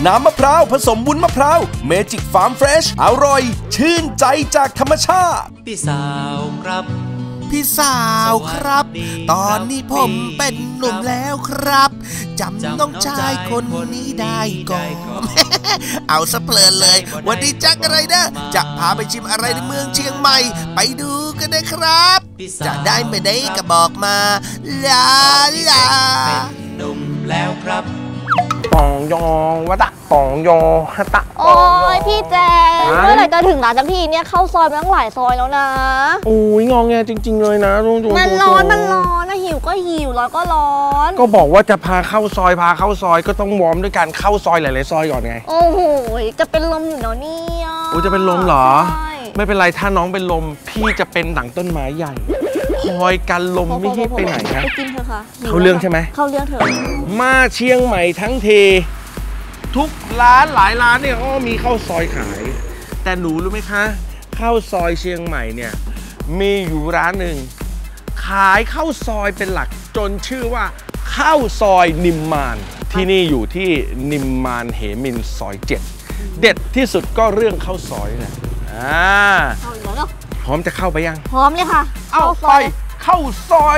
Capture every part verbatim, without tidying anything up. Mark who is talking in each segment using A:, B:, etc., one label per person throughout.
A: น้ำมะพร้าวผสมวุ้นมะพร้าวเมจิกฟาร์มเฟรชอร่อยชื่นใจจากธรรมชาติ
B: พี่สาวครับ
C: พี่สาวครับตอนนี้ผมเป็นหนุ่มแล้วครับจำน้องชายคนนี้ได้ก่อนเอาซะเพลินเลยวันนี้จักอะไรนะจะพาไปชิมอะไรในเมืองเชียงใหม่ไปดูกันนะครับจะได้ไม่ได้ก็บอกมาลาลา
B: เป็นหนุ่มแล้วครับ
D: ปองยองวะตะปองยอฮะตะ
E: โอ้ยพี่แจงเมื่อไหร่จะถึงร้านสักทีเนี่ยเข้าซอยมาตั้งหลายซอยแล้วนะ
D: โอ้ยงองแงจริงๆเลยนะ
E: มันร้อนมันร้อนนะหิวก็หิวร้อนก็ร้อน
D: ก็บอกว่าจะพาเข้าซอยพาเข้าซอยก็ต้องวอร์มด้วยการเข้าซอยหลายๆซอยก่อนไง
E: โอ้โหจะเป็นลมอยู่เนาะเนี่ย
D: โอ้จะเป็นลมเหรอไม่เป็นไรถ้าน้องเป็นลมพี่จะเป็นดั่งต้นไม้ใหญ่คอยกันลมไม่ให้ไปไหนนะ
E: ไปกินเถอะค่ะ
D: เข้าเรื่องใช่ไหม
E: เข้าเรื่องเถอะ
D: มาเชียงใหม่ทั้งทีทุกร้านหลายร้านเนี่ยก็มีข้าวซอยขายแต่หนูรู้ไหมคะข้าวซอยเชียงใหม่เนี่ยมีอยู่ร้านหนึ่งขายข้าวซอยเป็นหลักจนชื่อว่าข้าวซอยนิมมานที่นี่อยู่ที่นิมมานเหมินซอยเจ็ดเด็ดที่สุดก็เรื่องข้าวซอยนี่แหละอ่าพร้อมจะเข้าไปยัง
E: พร้อมเลยค่ะ
D: เอาไปเข้าซอย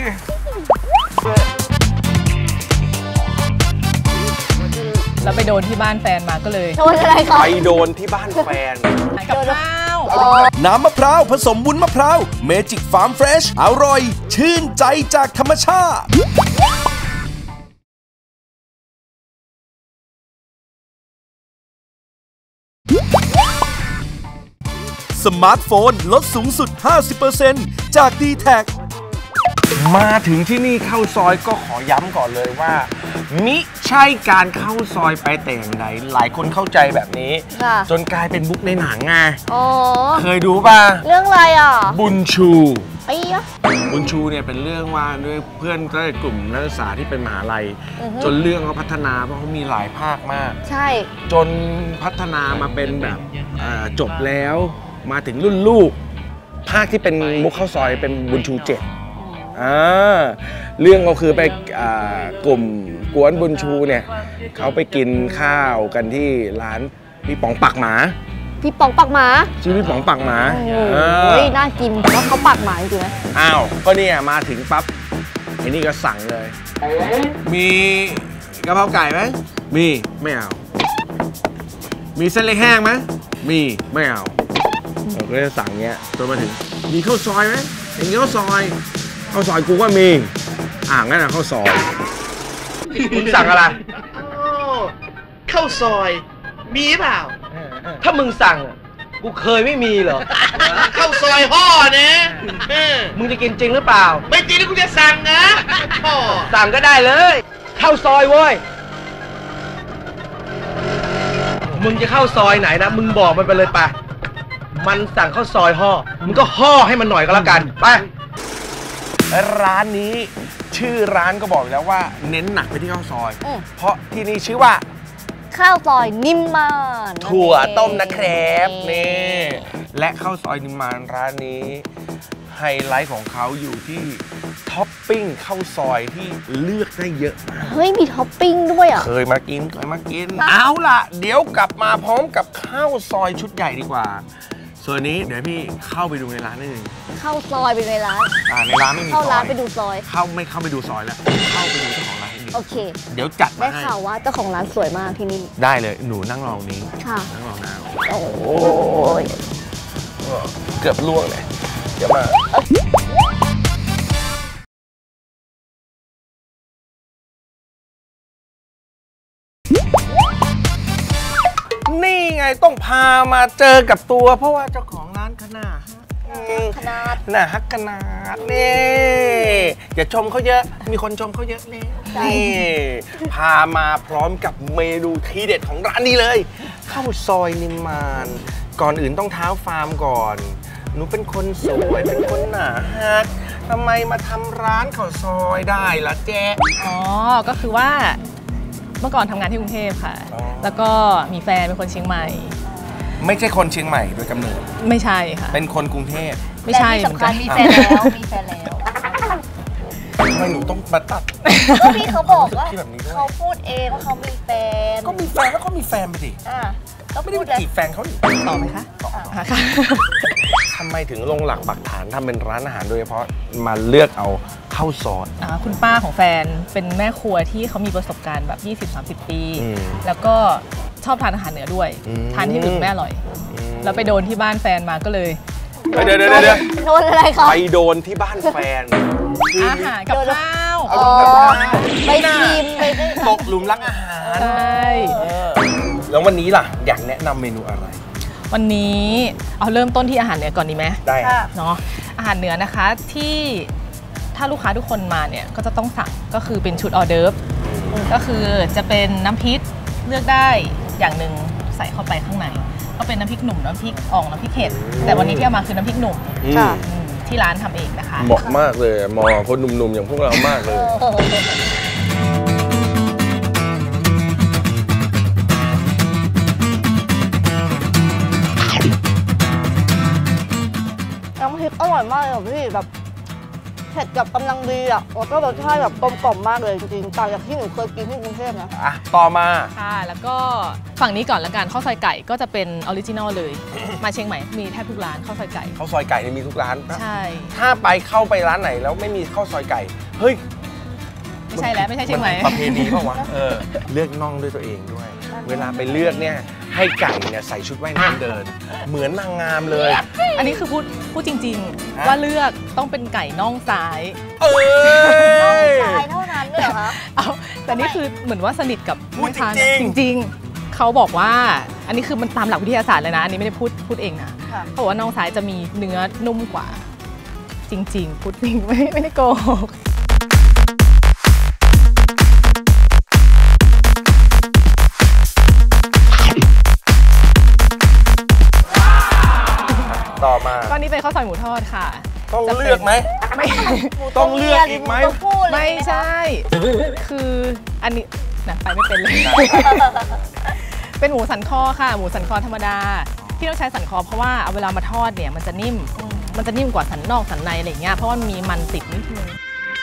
F: แล้วไปโดนที่บ้านแฟนมาก็เลย
E: โดนอะไรคะ
D: ไปโดนที่บ้านแฟน
F: กับข้าว
A: น้ำมะพร้าวผสมวุ้นมะพร้าวเมจิกฟาร์มเฟรชอร่อยชื่นใจจากธรรมชาติสมาร์ทโฟนลดสูงสุด ห้าสิบเปอร์เซ็นต์ จาก ดี แท็ก
D: มาถึงที่นี่เข้าซอยก็ขอย้ำก่อนเลยว่ามิใช่การเข้าซอยไปแต่อย่างใดหลายคนเข้าใจแบบนี้จนกลายเป็นบุ๊กในหนังไงเคยดูป่ะ
E: เรื่องอะไรอ่ะ
D: บุญชู
E: ไอ้ยะ
D: บุญชูเนี่ยเป็นเรื่องว่าด้วยเพื่อนก็กลุ่มนักศึกษาที่เป็นมหาลัยจนเรื่องเขาพัฒนาเพราะเขามีหลายภาคมาก
E: ใช่
D: จนพัฒนามาเป็นแบบจบแล้วมาถึงรุ่นลูกภาคที่เป็นมุกข้าวซอยเป็นบุญชูเจ็ดอ่าเรื่องก็คือไปกลุ่มกวนบุญชูเนี่ยเขาไปกินข้าวกันที่ร้านพี่ป๋องปักหมา
E: พี่ป๋องปักหมา
D: ชื่อพี่ป๋องปักหมา
E: โอ้ยน่ากินแต่ว่าเขาปักหมาจริงไหม
D: อ้าวก็เนี่ยมาถึงปั๊บไอ้นี่ก็สั่งเลยมีกะเพราไก่ไหมมีไม่เอามีเส้นเล็กแห้งไหมมีไม่เอาเราก็จะสั่งเงี้ยจนมาถึงมีข้าวซอยไหมอย่างเงี้ยข้าวซอยข้าวซอยกูก็มีอ่างนั่นนะข้าวซอยมึงสั่งอะไร
G: ข้าวซอยมีเปล่า
D: ถ้ามึงสั่งกูเคยไม่มีเหรอ
G: ข้าวซอยห่อเนี่ย
D: มึงจะกินจริงหรือเปล่า
G: ไม่จริงนะกูจะสั่งนะ
D: ห่อสั่งก็ได้เลยข้าวซอยเว้ยมึงจะเข้าซอยไหนนะมึงบอกมันไปเลยไปมันสั่งข้าวซอยห่อมึงก็ห่อให้มันหน่อยก็แล้วกันไปร้านนี้ชื่อร้านก็บอกแล้วว่าเน้นหนักไปที่ข้าวซอยเพราะที่นี่ชื่อว่า
E: ข้าวซอยนิมมาน
D: ถั่วต้มนะครับนี่และข้าวซอยนิมมานร้านนี้ไฮไลท์ของเขาอยู่ที่ท็อปปิ้งข้าวซอยที่เลือกได้เยอะมาก
E: เฮ้ยมีท็อปปิ้งด้วยอ่ะ
D: เคยมากินเคยมากินเอาล่ะเดี๋ยวกลับมาพร้อมกับข้าวซอยชุดใหญ่ดีกว่าส่วนนี้เดี๋ยวพี่เข้าไปดูในร้านนิดนึง
E: เข้าซอยไปในร้าน
D: อ่าในร้านไม่มีซอย
E: เข้าร้านไปดูซอย
D: เข้าไม่เข้าไปดูซอยแล้วเข้าไปดูเจ้าของร้าน
E: โอเค
D: เดี๋ยวจัด
E: ได้ข่าวว่าเจ้าของร้านสวยมากที่นี่
D: ได้เลยหนูนั่งรอนี้
E: ค่ะ
D: นั่งรอน้า
E: โอ้ย
D: เกือบล่วงเลยเดี๋ยวมานี่ไงต้องพามาเจอกับตัวเพราะว่าเจ้าของร้านขนาด
E: ขนาด
D: น่าฮักขนาดนี่อย่าชมเขาเยอะมีคนชมเขาเยอะนี่นี่พามาพร้อมกับเมนูทีเด็ดของร้านนี้เลยข้าวซอยนิมมานก่อนอื่นต้องเท้าฟาร์มก่อนหนูเป็นคนสวยเป็นคนหนาฮักทำไมมาทำร้านข้าวซอยได้ล่ะแจ๊
F: อ๋อก็คือว่าเมื่อก่อนทำงานที่กรุงเทพค่ะแล้วก็มีแฟนเป็นคนเชียงใหม่
D: ไม่ใช่คนเชียงใหม่โดยกำเนิด
F: ไม่ใช่ค่ะ
D: เป็นคนกรุงเทพ
F: ไม่ใช่
E: เหมือนกันมีแฟนแล้วมีแฟนแล้ว
D: ไมหนูต้องมาตัด
E: ก็พี่เขาบอกว่า
D: ที่แบบนี้ด้วย
E: เขาพูดเองว่าเขามีแฟน
D: ก็มีแฟนแล้วก็มีแฟนไปดิ
E: อ่ะก็
D: ไม่ได้
E: พูด
D: ไป
E: เลย
D: จีบแฟนเขาดิ
F: ต่อไหมคะต่อค่ะ
D: ทำไมถึงลงหลักปักฐานทำเป็นร้านอาหารโดยเฉพาะมาเลือกเอาข้าวซอย
F: อ่าคุณป้าของแฟนเป็นแม่ครัวที่เขามีประสบการณ์แบบ ยี่สิบถึงสามสิบ ปี
D: อืม
F: แล้วก็ชอบทานอาหารเหนือด้วย
D: อืม
F: ทานที่อื่นไม่อร่อย แล้วไปโดนที่บ้านแฟนมาก็เลย
D: เดี๋ยวเดี๋ยวเดี๋ยว
E: โดนอะไรคะ
D: ไปโดนที่บ้านแฟน
F: อาหารกับข้าว
E: อ๋อไปชิมไปได้
D: ตกหลุมรักอาหาร
F: ใช่
D: แล้ววันนี้ล่ะอยากแนะนำเมนูอะไร
F: วันนี้เอาเริ่มต้นที่อาหารเหนือก่อนดีไหม
D: ได้
E: ค่ะ
F: เนาะอาหารเหนือนะคะที่ถ้าลูกค้าทุกคนมาเนี่ยก็จะต้องสั่งก็คือเป็นชุดออเดิร์ฟก็คือจะเป็นน้ำพริกเลือกได้อย่างหนึ่งใส่เข้าไปข้างในก็เป็นน้ำพริกหนุ่มน้ำพริกอ่องน้ำพริกเผ็ดแต่วันนี้ที่เอามาคือน้ำพริกหนุ่ม
D: ค่ะ
F: อืมที่ร้านทำเองนะคะ
D: เหมาะมากเลยเหมาะกับคนหนุ่มๆอย่างพวกเรามากเลย
E: น้ำพริกอร่อยมากเลยอะพี่แบบเผ็ดกับกำลังดีอ่ะแล้วก็รสชาติแบบกลมกล่อมมากเลยจริงๆต่างจากที่หนูเคยกินที่กรุงเทพนะ
D: อ่ะ ต่อมา
F: ค่ะแล้วก็ฝั่งนี้ก่อนละกันข้าวซอยไก่ก็จะเป็นออริจินอลเลย มาเชียงใหม่มีแทบทุกร้านข้าวซอยไก่
D: ข้าวซอยไก่เนี่ยมีทุกร้าน
F: ใช่
D: ถ้าไปเข้าไปร้านไหนแล้วไม่มีข้าวซอยไก่ เฮ้ย
F: ไม่ใช่แล้วไม่ใช่เชียงใหม่
D: นประเพณีเปล่าวะ เออ เลือกน่องด้วยตัวเองด้วย เวลาไปเลือกเนี่ยให้ไก่เนี่ยใส่ชุดว่ายน้ำเดิน เหมือนนางงามเลย
F: อันนี้คือพูดพูดจริง
D: ฮะ
F: ๆ ว่าเลือกต้องเป็นไก่น่องซ้าย
D: เอ้ย
E: ชายเท่านั้นเลยเหรอคะ
F: เอาแต่นี่คือเหมือนว่าสนิทกับ
D: พูด
F: แม่ค้า
D: จริงๆ
F: จริง ๆ เขาบอกว่าอันนี้คือมันตามหลักวิทยาศาสตร์เลยนะ อันนี้ไม่ได้พูดพูดเองนะ
E: ค่ะ
F: เขาบอกว่าน่องซ้ายจะมีเนื้อนุ่มกว่า จริง ๆ พูดจริงไม่ไม่ได้โกหก
D: ต่อมา
F: ก็นี่เป็นข้าวซอยหมูทอดค่ะ
D: ต้อง
F: จะป็น
D: เลือกไหม
F: ไม่
D: ต้องเลือกอีกไหม
E: ต้องพูดเลย
F: ไม่ใช่ คืออันนี้นะไปไม่เป็นเลย เป็นหมูสันคอค่ะ หมูสันคอธรรมดา ที่ต้องใช้สันคอเพราะว่าเอาเวลามาทอดเนี่ยมันจะนิ่ม มันจะนิ่มกว่าสันนอกสันในอะไรอย่างเงี้ย เพราะว่ามันมีมันติดนิดนึง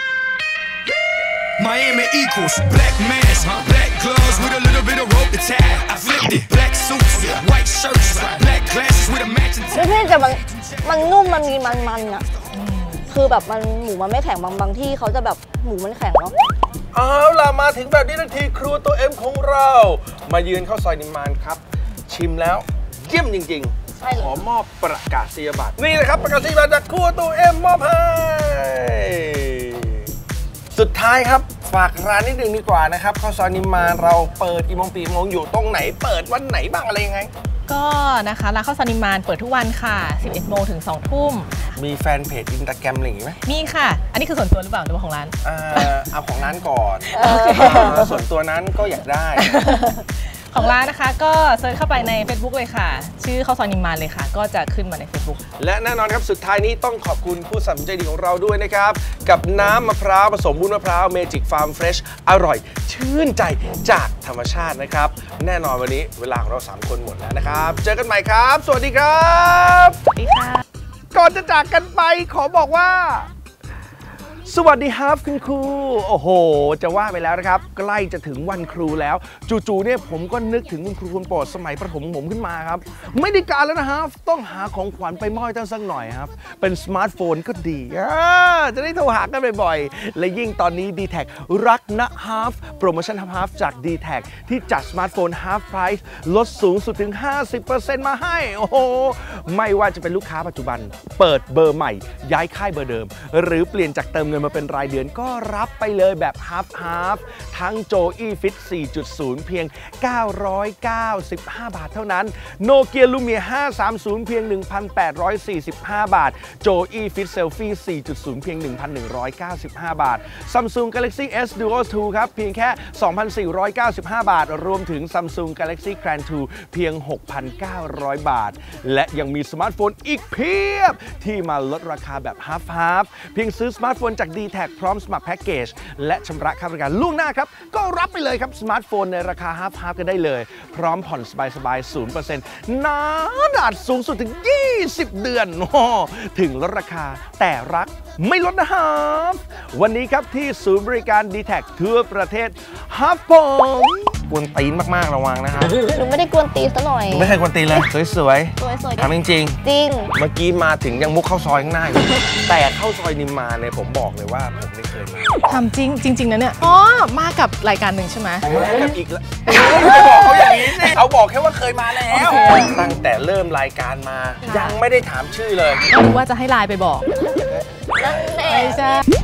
H: Miami equals black mask, black gloves with a little bit of rope to tie. I flipped it, black suits, white shirts, black glasses with a matching
E: ไม่พี่แต่มันมันนุ่มมันมีมันมันๆอ่ะคือแบบมันหมูมันไม่แข็งบางบางที่เขาจะแบบหมูมันแข็งเนาะ
D: เอาล่ะมาถึงแบบนี้นาทีครัวตัวเอ็มของเรา มายืนข้าวซอยนิมมานครับ ชิมแล้วเยี่ยมจริง
E: ใช่เลย
D: ๆ ขอมอบประกาศนียบัตรนี่นะครับประกาศนียบัตรจากครัวตัวเอ็มมอบให้สุดท้ายครับฝากร้านนิดนึงดีกว่านะครับข้าวซอยนิมมานเราเปิดกี่โมงปีโมงอยู่ตรงไหนเปิดวันไหนบ้างอะไรยังไง
F: ก็นะคะร้านข้าวซอยนิมมานเปิดทุกวันค่ะ สิบเอ็ดโมงถึงสองทุ่ม
D: มีแฟนเพจอินสตาแกรมอะไรอย่างงี้ไหม
F: มีค่ะ อันนี้คือส่วนตัวหรือเปล่าหรือว่าของร้าน
D: อ่าเอาของร้านก่อน
F: โอเค
D: อ่าส่วนตัวนั้นก็อยากได้
F: ของร้านนะคะก็เซิร์ชเข้าไปใน Facebook เลยค่ะ ชื่อข้าวซอยนิมมานเลยค่ะ ก็จะขึ้นมาใน Facebook
D: และแน่นอนครับสุดท้ายนี้ต้องขอบคุณผู้สนับสนุนใจดีของเราด้วยนะครับ กับน้ำมะพร้าวผสมวุ้นมะพร้าวเมจิกฟาร์มเฟรชอร่อยชื่นใจจากธรรมชาตินะครับ แน่นอนวันนี้เวลาของเราสามคนหมดแล้วนะครับ เจอกันใหม่ครับ สวัสดีครับ
F: สวัสดีค่ะ
D: ก่อนจะจากกันไปขอบอกว่า สวัสดีครับคุณครูโอ้โหจะว่าไปแล้วนะครับใกล้จะถึงวันครูแล้วจู่ๆเนี่ยผมก็นึกถึงคุณครูคนโปรดสมัยประถมผมขึ้นมาครับไม่ได้การแล้วนะครับต้องหาของขวัญไปมอบให้ท่านสักหน่อยครับเป็นสมาร์ทโฟนก็ดีอ่าจะได้โทรหากันบ่อยๆและยิ่งตอนนี้ ดี แท็ก รักนะฮาฟโปรโมชั่นฮาฟจาก ดี แท็ก ที่จัดสมาร์ทโฟน Half Price ลดสูงสุดถึง ห้าสิบเปอร์เซ็นต์ มาให้โอ้โหไม่ว่าจะเป็นลูกค้าปัจจุบันเปิดเบอร์ใหม่ย้ายค่ายเบอร์เดิมหรือเปลี่ยนจากเติมเงินมาเป็นรายเดือนก็รับไปเลยแบบ Half Half ทั้ง โจอี้ Fit สี่จุดศูนย์ เพียง เก้าร้อยเก้าสิบห้า บาทเท่านั้น Nokia Lumia ห้าสามศูนย์ เพียง หนึ่งพันแปดร้อยสี่สิบห้า บาท โจอี้ Fit Selfie สี่จุดศูนย์ เพียง หนึ่งพันหนึ่งร้อยเก้าสิบห้า บาท Samsung Galaxy เอส Duo ทู ครับเพียงแค่ สองพันสี่ร้อยเก้าสิบห้า บาท รวมถึง Samsung Galaxy Grand ทู เพียง หกพันเก้าร้อย บาท และยังมีสมาร์ทโฟนอีกเพียบที่มาลดราคาแบบ Half Half เพียงซื้อสมาร์ทโฟนจาก ดี แท็ก พร้อมสมัครแพ็กเกจและชำระค่าบริการล่วงหน้าครับก็รับไปเลยครับสมาร์ทโฟนในราคา Half Half กันได้เลยพร้อมผ่อนสบายๆ ศูนย์เปอร์เซ็นต์ นานอาจสูงสุดถึงยี่สิบเดือนโอ้ถึงลดราคาแต่รักไม่ลดนะครับวันนี้ครับที่ศูนย์บริการ ดี แท็ก ทั่วประเทศครับผมกวนตีนมากๆระวังนะครับ
E: หนูไม่ได้กวนตีนซะหน่อย
D: ไม่ใช่กวนตีนเลยสวย
E: สวยๆ
D: ๆทำจริง
E: จริง
D: ๆเมื่อกี้มาถึงยังมุกเข้าซอยข้างหน้าอยู่แต่เข้าซอยนิมมานเนี่ยผมบอกเลยว่าผมไม่เคยมา
F: ทำจริงจริงๆนะเนี่ยอ๋อมากับรายการหนึ่งใช่ไหม
D: มากับอีกแล้วไม่บอกเขาอย่างนี้สิเขาบอกแค่ว่าเคยมาแล้ว ตั้งแต่เริ่มรายการมายังไม่ได้ถามชื่อเลย
F: รู้ว่าจะให้ไลน์ไปบอก
E: นั่นแหละ
F: ไม่ใช่